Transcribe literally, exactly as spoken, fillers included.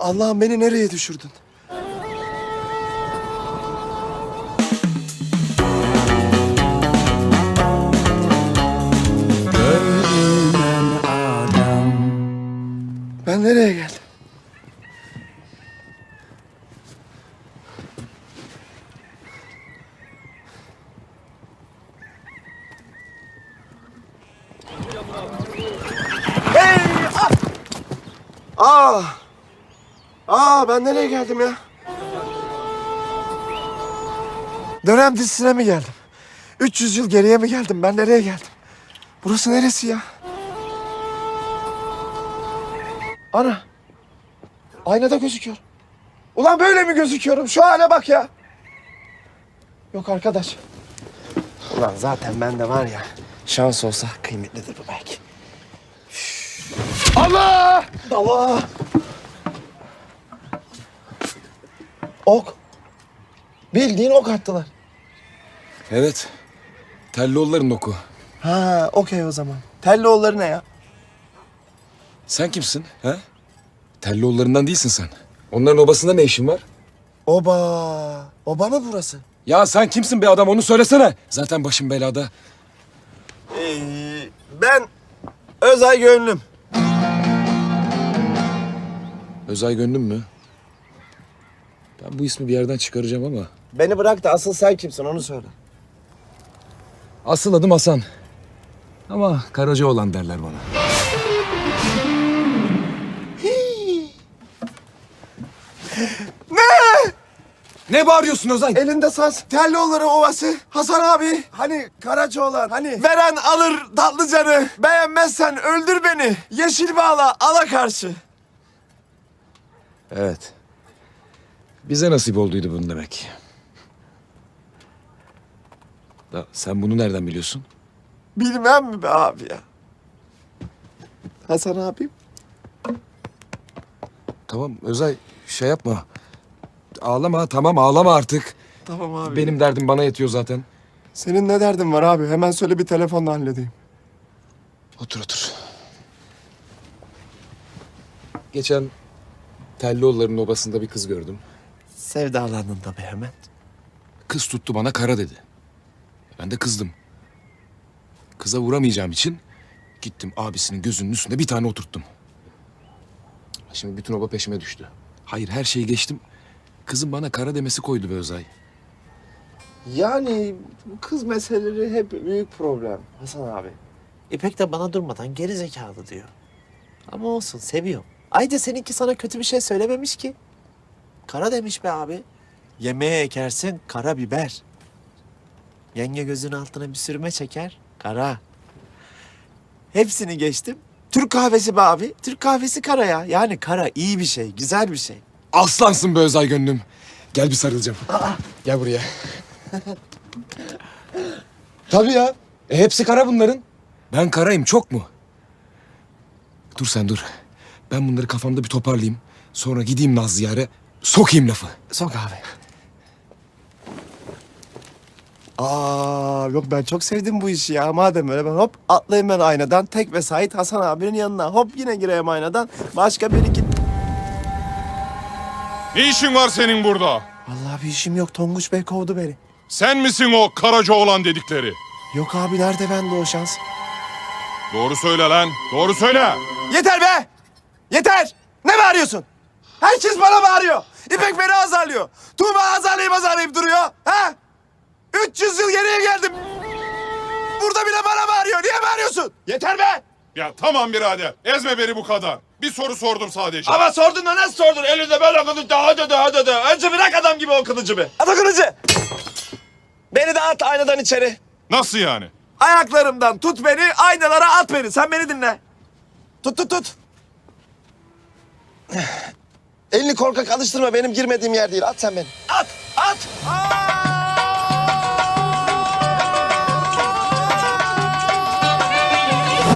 Allah'ım beni nereye düşürdün? Görünen adam. Ben nereye geldim? Hey! Ah! Aa! Aa ben nereye geldim ya? Dönem dizisine mi geldim? üç yüz yıl geriye mi geldim? Ben nereye geldim? Burası neresi ya? Ana! Aynada gözüküyor. Ulan böyle mi gözüküyorum? Şu hale bak ya. Yok arkadaş. Ulan zaten bende var ya. Şans olsa kıymetlidir bu belki. Üf. Allah! Allah! Ok. Bildiğin ok attılar. Evet. Telloğulların oku. Ha, okey o zaman. Telloğulları ne ya? Sen kimsin? He? Telloğullarından değilsin sen. Onların obasında ne işin var? Oba. Oba mı burası? Ya sen kimsin be adam onu söylesene. Zaten başım belada. Ee, ben Özay Gönlüm. Özay Gönlüm mü? Ben bu ismi bir yerden çıkaracağım ama. Beni bırak da asıl sen kimsin onu söyle. Asıl adım Hasan. Ama Karacaoğlan derler bana. Ne? Ne bağırıyorsun Özay? Elinde saz. Telloğulları Ovası. Hasan abi. Hani Karacaoğlan. Hani. Veren alır tatlıcanı. Beğenmezsen öldür beni. Yeşil bağla ala karşı. Evet. Bize nasip olduydu bunu demek. Da sen bunu nereden biliyorsun? Bilmem mi be abi ya? Hasan abim. Tamam Özay şey yapma. Ağlama tamam ağlama artık. Tamam abi. Benim derdim bana yetiyor zaten. Senin ne derdin var abi? Hemen söyle bir telefonla halledeyim. Otur otur. Geçen Telloğulların obasında bir kız gördüm. Sevdalandın tabii hemen. Kız tuttu bana kara dedi. Ben de kızdım. Kıza vuramayacağım için gittim abisinin gözünün üstünde bir tane oturttum. Şimdi bütün oba peşime düştü. Hayır her şeyi geçtim. Kızın bana kara demesi koydu be Özay. Yani bu kız meseleleri hep büyük problem Hasan abi. İpek de bana durmadan geri zekalı diyor. Ama olsun seviyorum. Ayrıca seninki sana kötü bir şey söylememiş ki. Kara demiş be abi. Yemeğe ekersin kara biber. Yenge gözünün altına bir sürme çeker. Kara. Hepsini geçtim. Türk kahvesi be abi. Türk kahvesi kara ya. Yani kara iyi bir şey, güzel bir şey. Aslansın be Özay gönlüm. Gel bir sarılacağım. Gel buraya. Tabii ya. E, hepsi kara bunların. Ben karayım çok mu? Dur sen dur. Ben bunları kafamda bir toparlayayım. Sonra gideyim Nazlı'ya sokayım lafı. Sok abi. Aa yok ben çok sevdim bu işi ya. Madem öyle ben hop atlayayım ben aynadan. Tek ve Sait Hasan abinin yanına. Hop yine gireyim aynadan. Başka bir iki... Ne işin var senin burada? Vallahi bir işim yok. Tonguç Bey kovdu beni. Sen misin o Karacaoğlan dedikleri? Yok abi nerede bende o şans? Doğru söyle lan, doğru söyle. Yeter be! Yeter! Ne bağırıyorsun? Herkes bana bağırıyor. İpek beni azarlıyor. Tuğba azarlayıp azarlayıp duruyor. Ha? üç yüz yıl geriye geldim. Burada bile bana bağırıyor. Niye bağırıyorsun? Yeter be! Ya tamam birader, ezme beni bu kadar. Bir soru sordum sadece. Ama sordun da nasıl sordun? Elinde böyle kılıcı. Hadi hadi hadi. Önce bırak adam gibi o kılıcı be. At o kılıcı. Beni de at aynadan içeri. Nasıl yani? Ayaklarımdan tut beni, aynalara at beni. Sen beni dinle. Tut tut tut. Elini korkak alıştırma. Benim girmediğim yer değil. At sen beni. At, at. Aa!